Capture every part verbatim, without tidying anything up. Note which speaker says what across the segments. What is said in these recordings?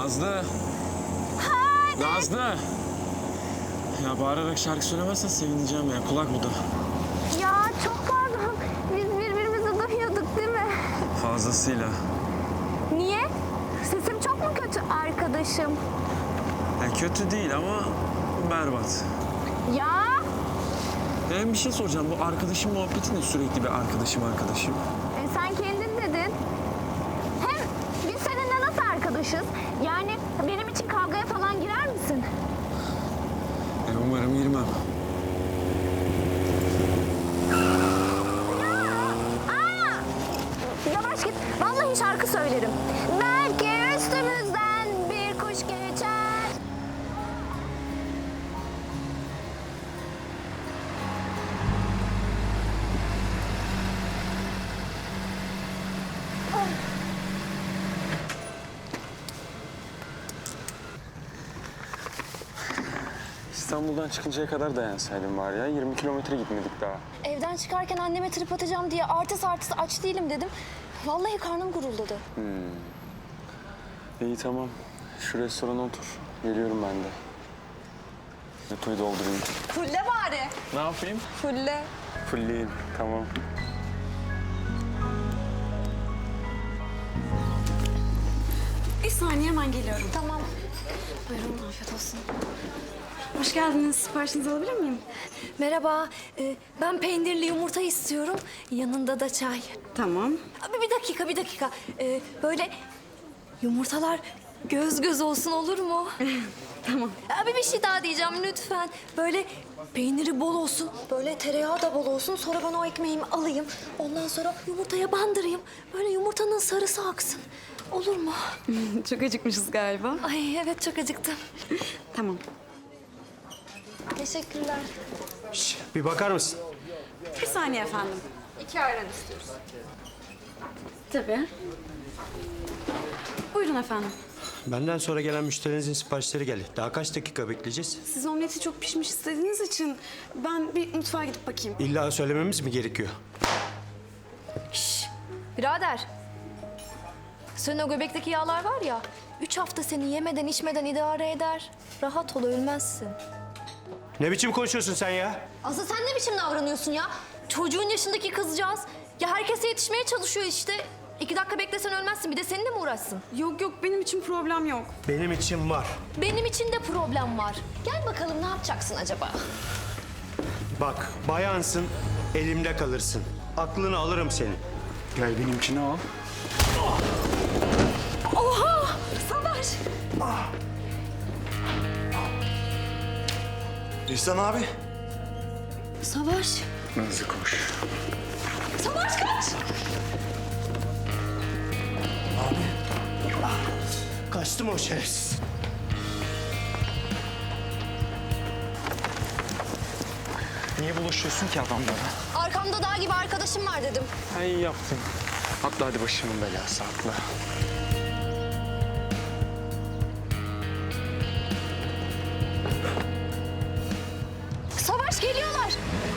Speaker 1: Nazlı.
Speaker 2: Hadi.
Speaker 1: Nazlı. Ya bağırarak şarkı söylemezsen sevineceğim ya. Kulak bu da.
Speaker 2: Ya çok pardon. Biz birbirimizi duyuyorduk değil mi?
Speaker 1: Fazlasıyla.
Speaker 2: Niye? Sesim çok mu kötü arkadaşım?
Speaker 1: Ya kötü değil ama berbat.
Speaker 2: Ya
Speaker 1: Ben bir şey soracağım. Bu arkadaşım muhabbeti ne, sürekli bir arkadaşım arkadaşım?
Speaker 2: e, sen kendin dedin. Hem biz seninle nasıl arkadaşız? Yani benim için kavgaya falan girer misin?
Speaker 1: E, umarım girmem.
Speaker 2: Aa! Yavaş git. Vallahi şarkı söylerim. Belki üstümüzden bir kuş geçer.
Speaker 1: İstanbul'dan çıkıncaya kadar dayansaydım var ya. yirmi kilometre gitmedik daha.
Speaker 3: Evden çıkarken anneme trip atacağım diye artist artist aç değilim dedim. Vallahi karnım guruldadı.
Speaker 1: İyi tamam. Şu restorana otur. Geliyorum ben de. Depoyu doldurayım.
Speaker 3: Fulle bari.
Speaker 1: Ne yapayım?
Speaker 3: Fulle.
Speaker 1: Fulleyim. Tamam.
Speaker 4: Bir saniye hemen geliyorum.
Speaker 3: Tamam.
Speaker 4: Buyurun, afiyet olsun. Hoş geldiniz. Siparişinizi alabilir miyim?
Speaker 3: Merhaba. Ee, ben peynirli yumurta istiyorum. Yanında da çay.
Speaker 4: Tamam.
Speaker 3: Abi bir dakika, bir dakika. Ee, böyle yumurtalar göz göz olsun olur mu?
Speaker 4: Tamam.
Speaker 3: Abi bir şey daha diyeceğim lütfen. Böyle peyniri bol olsun, böyle tereyağı da bol olsun. Sonra ben o ekmeğimi alayım. Ondan sonra yumurtaya bandırayım. Böyle yumurtanın sarısı aksın. Olur mu?
Speaker 4: Çok acıkmışız galiba.
Speaker 3: Ay evet çok acıktım.
Speaker 4: Tamam.
Speaker 3: Teşekkürler.
Speaker 5: Şş, bir bakar mısın?
Speaker 4: Bir saniye efendim. İki ayran istiyoruz. Tabii. Buyurun efendim.
Speaker 5: Benden sonra gelen müşterinizin siparişleri geldi. Daha kaç dakika bekleyeceğiz?
Speaker 4: Siz omleti çok pişmiş istediğiniz için ben bir mutfağa gidip bakayım.
Speaker 5: İlla söylememiz mi gerekiyor?
Speaker 3: Birader. Senin o göbekteki yağlar var ya, üç hafta seni yemeden içmeden idare eder. Rahat ol, ölmezsin.
Speaker 5: Ne biçim konuşuyorsun sen ya?
Speaker 3: Asıl sen ne biçim davranıyorsun ya? Çocuğun yaşındaki kızcağız. Ya herkese yetişmeye çalışıyor işte. İki dakika beklesen ölmezsin. Bir de seninle mi uğraşsın?
Speaker 4: Yok yok benim için problem yok.
Speaker 5: Benim için var.
Speaker 3: Benim için de problem var. Gel bakalım ne yapacaksın acaba?
Speaker 5: Bak, bayansın, elimde kalırsın. Aklını alırım senin.
Speaker 1: Gel benimkini al.
Speaker 3: Oha! Savaş!
Speaker 6: İhsan abi.
Speaker 3: Savaş!
Speaker 1: Nazlı koş.
Speaker 3: Savaş kaç!
Speaker 5: Kaçtı mı o şerefsiz?
Speaker 1: Niye bulaşıyorsun ki adamlara?
Speaker 3: Arkamda dağ gibi arkadaşım var dedim.
Speaker 1: Ha, iyi yaptın. Atla hadi, başımın belası atla.
Speaker 3: Savaş geliyorlar!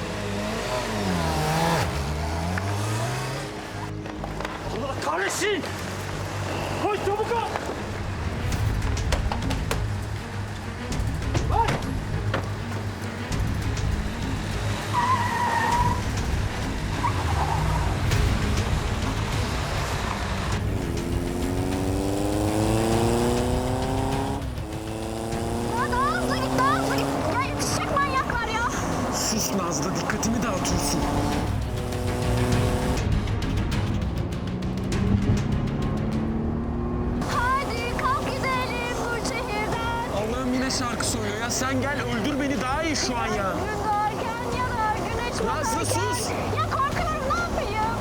Speaker 5: Allah kahretsin! Koş çabuk ol!
Speaker 2: Ya daha hızlı git, daha hızlı git. Ya yetişecek manyaklar ya.
Speaker 1: Sus Nazlı, dikkatimi dağıtıyorsun.
Speaker 2: Hadi kalk gidelim bu şehirden.
Speaker 1: Allah'ım yine şarkı söylüyor ya. Sen gel öldür beni, daha iyi şu an ya.
Speaker 2: Gün doğarken ya da güneş
Speaker 1: Nazlı,
Speaker 2: batarken.
Speaker 1: sus!
Speaker 2: Ya korkuyorum, ne yapayım?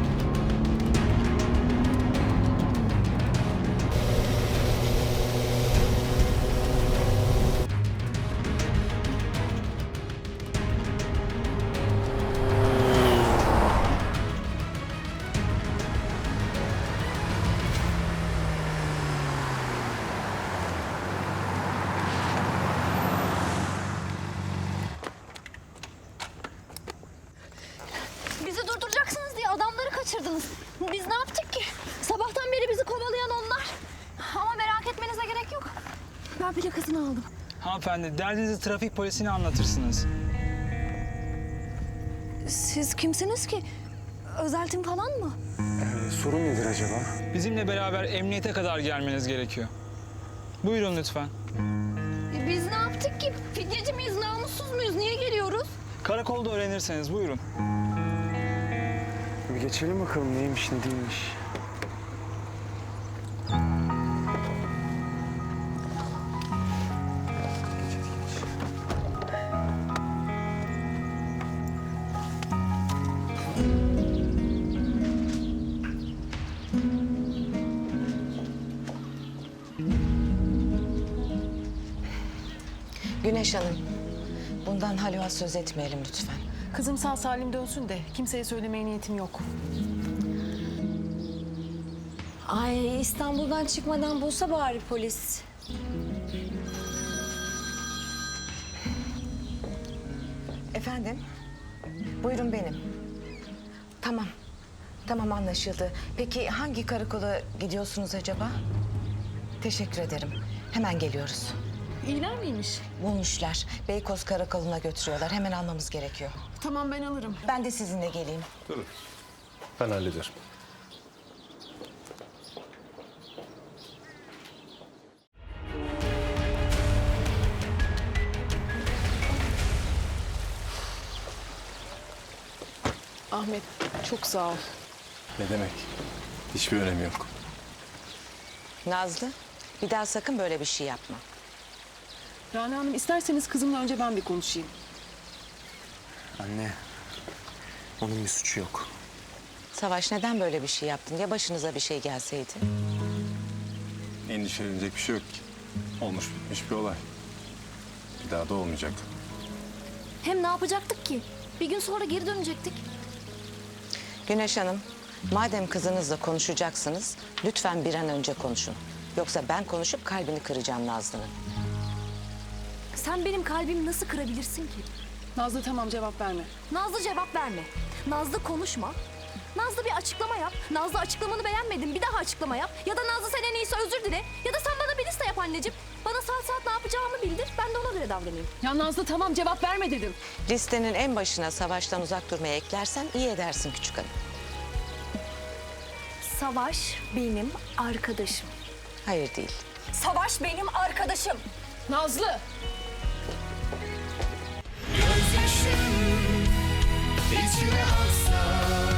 Speaker 3: Bizi durduracaksınız diye adamları kaçırdınız. Biz ne yaptık ki? Sabahtan beri bizi kovalayan onlar. Ama merak etmenize
Speaker 4: etmenize gerek yok. Ben plakasını aldım.
Speaker 6: Hanımefendi, derdinizi trafik polisine anlatırsınız.
Speaker 3: Siz kimsiniz ki? Özeltim falan mı?
Speaker 1: Ee, sorun nedir acaba?
Speaker 6: Bizimle beraber emniyete kadar gelmeniz gerekiyor. Buyurun lütfen.
Speaker 2: E, Biz ne yaptık ki? Fidyeci miyiz, namussuz muyuz? Niye geliyoruz?
Speaker 6: Karakolda öğrenirseniz buyurun.
Speaker 1: Bir geçelim bakalım neymiş ne değilmiş.
Speaker 7: Güneş Hanım, bundan Haluk'a söz etmeyelim lütfen.
Speaker 8: Kızım sağ salim dönsün de kimseye söylemeye niyetim yok.
Speaker 3: Ay İstanbul'dan çıkmadan bulsa bari polis.
Speaker 7: Efendim? Buyurun benim. Tamam. Tamam anlaşıldı. Peki hangi karakola gidiyorsunuz acaba? Teşekkür ederim. Hemen geliyoruz.
Speaker 8: İyiler miymiş?
Speaker 7: Bulmuşlar. Beykoz Karakolu'na götürüyorlar. Hemen almamız gerekiyor.
Speaker 8: Tamam ben alırım.
Speaker 7: Ben de sizinle geleyim.
Speaker 9: Durun. Ben hallederim.
Speaker 8: Ahmet çok sağ ol.
Speaker 9: Ne demek? Hiçbir önemi yok.
Speaker 7: Nazlı, bir daha sakın böyle bir şey yapma.
Speaker 8: Rana Hanım isterseniz kızımla önce ben bir konuşayım.
Speaker 1: Anne, onun bir suçu yok.
Speaker 7: Savaş neden böyle bir şey yaptın? Ya başınıza bir şey gelseydi?
Speaker 9: Endişelenecek bir şey yok ki. Olmuş bitmiş bir olay. Bir daha da olmayacak.
Speaker 3: Hem ne yapacaktık ki? Bir gün sonra geri dönecektik.
Speaker 7: Güneş Hanım, madem kızınızla konuşacaksınız, lütfen bir an önce konuşun. Yoksa ben konuşup kalbini kıracağım Nazlı'nın.
Speaker 3: Sen benim kalbimi nasıl kırabilirsin ki?
Speaker 8: Nazlı tamam cevap verme.
Speaker 3: Nazlı cevap verme. Nazlı konuşma. Nazlı bir açıklama yap. Nazlı açıklamanı beğenmedim. Bir daha açıklama yap. Ya da Nazlı sen en iyisi özür dile. Ya da sen bana bir liste yap anneciğim. Bana saat saat ne yapacağımı bildir. Ben de ona göre davranayım.
Speaker 8: Ya Nazlı tamam cevap verme dedim.
Speaker 7: Listenin en başına Savaş'tan uzak durmaya eklersen iyi edersin küçük hanım.
Speaker 3: Savaş benim arkadaşım.
Speaker 7: Hayır değil.
Speaker 3: Savaş benim arkadaşım.
Speaker 8: Nazlı!
Speaker 10: Gözyaşım içime aksa